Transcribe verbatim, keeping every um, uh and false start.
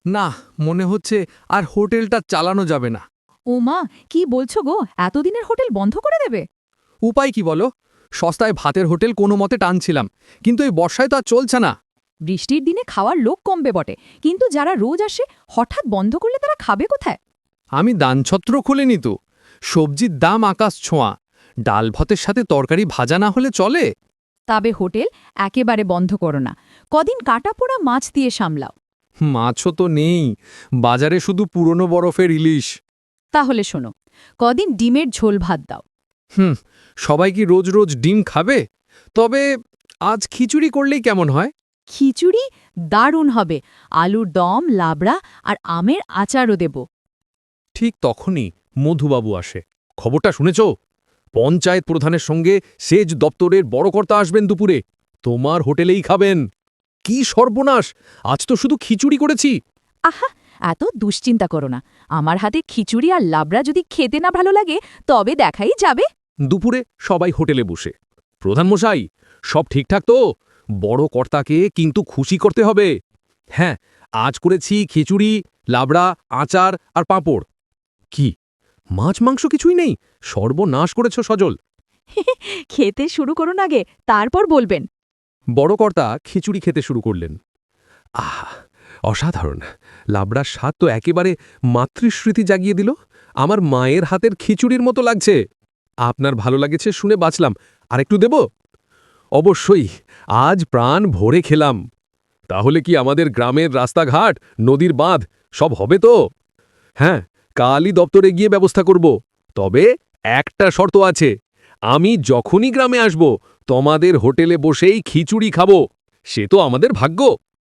না, মনে হচ্ছে আর হোটেলটা চালানো যাবে না। ও মা, কি বলছো গো? এতদিনের হোটেল বন্ধ করে দেবে? উপায় কি বলো? সস্তায় ভাতের হোটেল কোনো মতে টানছিলাম, কিন্তু এই বর্ষায় তো আর চলছে না। বৃষ্টির দিনে খাওয়ার লোক কমবে বটে, কিন্তু যারা রোজ আসে হঠাৎ বন্ধ করলে তারা খাবে কোথায়? আমি দানছত্র খুলিনি তো। সবজির দাম আকাশ ছোঁয়া। ডাল ভাতের সাথে তরকারি ভাজা না হলে চলে? তবে হোটেল একেবারে বন্ধ করো না, কদিন কাটা পোড়া মাছ দিয়ে সামলাও। মাছও তো নেই, বাজারে শুধু পুরনো বরফের ইলিশ। তাহলে শোনো, কদিন ডিমের ঝোল ভাত দাও। হুম, সবাই কি রোজ রোজ ডিম খাবে? তবে আজ খিচুড়ি করলেই কেমন হয়? খিচুড়ি দারুণ হবে, আলুর দম, লাবড়া আর আমের আচারও দেব। ঠিক তখনই মধুবাবু আসে। খবরটা শুনেছ? পঞ্চায়েত প্রধানের সঙ্গে সেচ দপ্তরের বড় কর্তা আসবেন দুপুরে। তোমার হোটেলেই খাবেন। কি সর্বনাশ! আজ তো শুধু খিচুড়ি করেছি। আহা, এত দুশ্চিন্তা করো না। আমার হাতে খিচুড়ি আর লাবড়া যদি খেতে না ভালো লাগে তবে দেখাই যাবে। দুপুরে সবাই হোটেলে বসে। প্রধানমশাই, সব ঠিকঠাক তো? বড় কর্তাকে কিন্তু খুশি করতে হবে। হ্যাঁ, আজ করেছি খিচুড়ি, লাবড়া, আচার আর পাঁপড়। কি, মাছ মাংস কিছুই নেই? সর্বনাশ করেছ সজল। খেতে শুরু করুন আগে, তারপর বলবেন। বড় কর্তা খিচুড়ি খেতে শুরু করলেন। আহা, অসাধারণ! লাবড়ার স্বাদ তো একেবারে মাতৃস্মৃতি জাগিয়ে দিল। আমার মায়ের হাতের খিচুড়ির মতো লাগছে। আপনার ভালো লাগেছে শুনে বাঁচলাম। আরেকটু দেব? অবশ্যই, আজ প্রাণ ভরে খেলাম। তাহলে কি আমাদের গ্রামের রাস্তাঘাট, নদীর বাঁধ সব হবে তো? হ্যাঁ, কালই দপ্তরে গিয়ে ব্যবস্থা করব। তবে একটা শর্ত আছে, আমি যখনই গ্রামে আসব তোমাদের হোটেলে বসেই খিচুড়ি খাবো। সে তো আমাদের ভাগ্য।